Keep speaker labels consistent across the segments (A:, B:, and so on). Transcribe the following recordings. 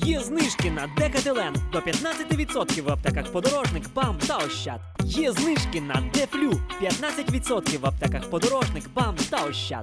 A: Є знижки на Декателен до 15% в аптеках Подорожник, БАМ та Ощад. Є знижки на Дефлю 15% в аптеках Подорожник, БАМ та Ощад.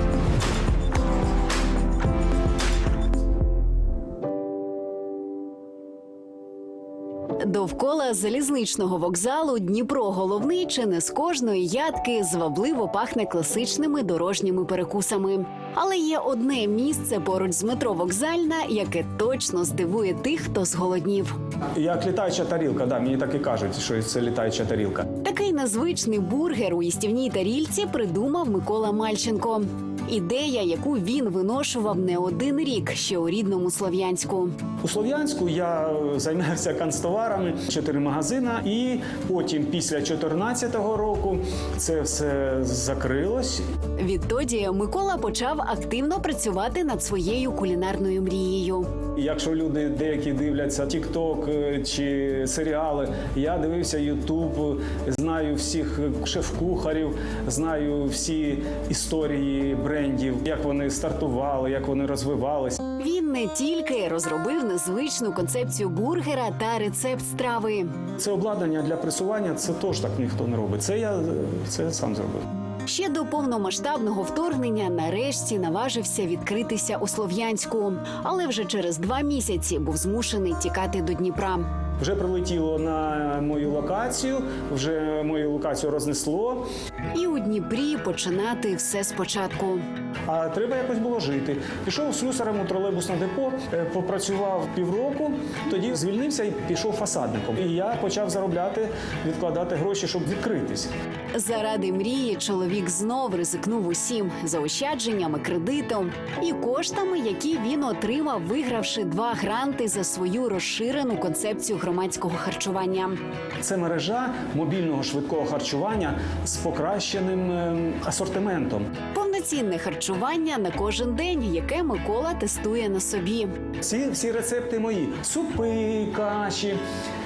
B: Довкола залізничного вокзалу Дніпро-Головний чи не з кожної ядки звабливо пахне класичними дорожніми перекусами. Але є одне місце поруч з метро Вокзальна, яке точно здивує тих, хто зголоднів.
C: Як літаюча тарілка, да, мені так і кажуть, що це літаюча тарілка.
B: Такий незвичний бургер у їстівній тарільці придумав Микола Мальченко. Ідея, яку він виношував не один рік ще у рідному Слов'янську.
C: У Слов'янську я займався канцтоварами, 4 магазини, і потім, після 2014 року, це все закрилось.
B: Відтоді Микола почав активно працювати над своєю кулінарною мрією.
C: І якщо люди деякі дивляться TikTok чи серіали, я дивився YouTube, знаю всіх шеф-кухарів, знаю всі історії брендів, як вони стартували, як вони розвивалися.
B: Він не тільки розробив незвичну концепцію бургера та рецепт страви.
C: Це обладнання для пресування, це теж так ніхто не робить. Це я сам зробив.
B: Ще до повномасштабного вторгнення нарешті наважився відкритися у Слов'янську. Але вже через 2 місяці був змушений тікати до Дніпра.
C: Вже прилетіло на мою локацію, вже мою локацію рознесло.
B: І у Дніпрі починати все спочатку.
C: А треба якось було жити. Пішов слюсарем у тролейбусне депо, попрацював півроку, тоді звільнився і пішов фасадником. І я почав заробляти, відкладати гроші, щоб відкритись.
B: Заради мрії чоловік знов ризикнув усім – заощадженнями, кредитом і коштами, які він отримав, вигравши 2 гранти за свою розширену концепцію громадського харчування.
C: Це мережа мобільного швидкого харчування з покращеним асортиментом.
B: Повноцінне харчування на кожен день, яке Микола тестує на собі.
C: Всі рецепти мої. Супи, каші,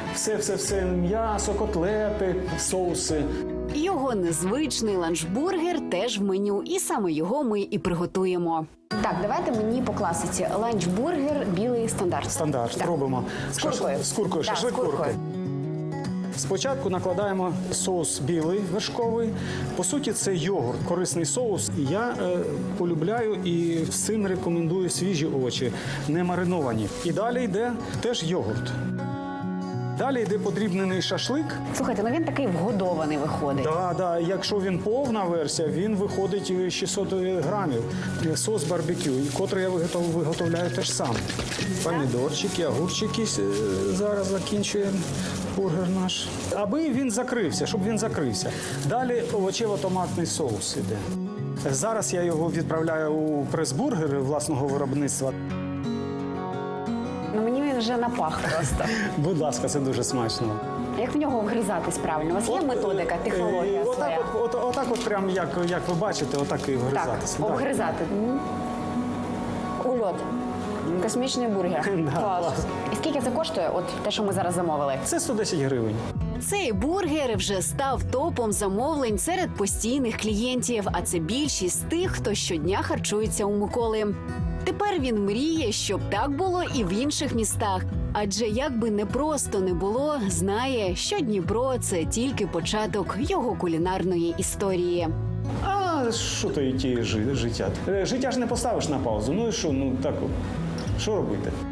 C: все, м'ясо, котлети, соуси.
B: Його незвичний ланчбургер теж в меню, і саме його ми і приготуємо. Так, давайте мені по класиці. Ланчбургер білий стандарт.
C: Стандарт.
B: Так.
C: Робимо.
B: З куркою.
C: З куркою,
B: Так,
C: шашлик
B: з куркою.
C: курки. Спочатку накладаємо соус білий вершковий. По суті, це йогурт, корисний соус. Я полюбляю і всім рекомендую свіжі овочі, не мариновані. І далі йде теж йогурт. Далі йде подрібнений шашлик.
B: Слухайте, ну він такий вгодований виходить.
C: Да. Якщо він повна версія, він виходить 600 грамів. Соус барбекю, котрий я виготовляю теж сам. Помідорчики, огурчики зараз закінчуємо бургер наш. Аби він закрився, щоб він закрився. Далі овочево-томатний соус іде. Зараз я його відправляю у прес-бургери власного виробництва.
B: Ну мені він вже напах просто.
C: Будь ласка, це дуже смачно.
B: Як в нього вгризатись правильно? У вас є методика, технологія своя?
C: Отак от прям, як ви бачите, отак і вгризатися.
B: Так, обгризати. Ульот. Космічний бургер.
C: Да,
B: Клас.
C: клас.
B: І скільки це коштує, от те, що ми зараз замовили?
C: Це 110 гривень.
B: Цей бургер вже став топом замовлень серед постійних клієнтів, а це більшість тих, хто щодня харчується у Миколи. Тепер він мріє, щоб так було і в інших містах. Адже як би непросто не було, знає, що Дніпро – це тільки початок його кулінарної історії.
C: А що то і ті життя? Життя ж не поставиш на паузу. Ну і що, так, що робити?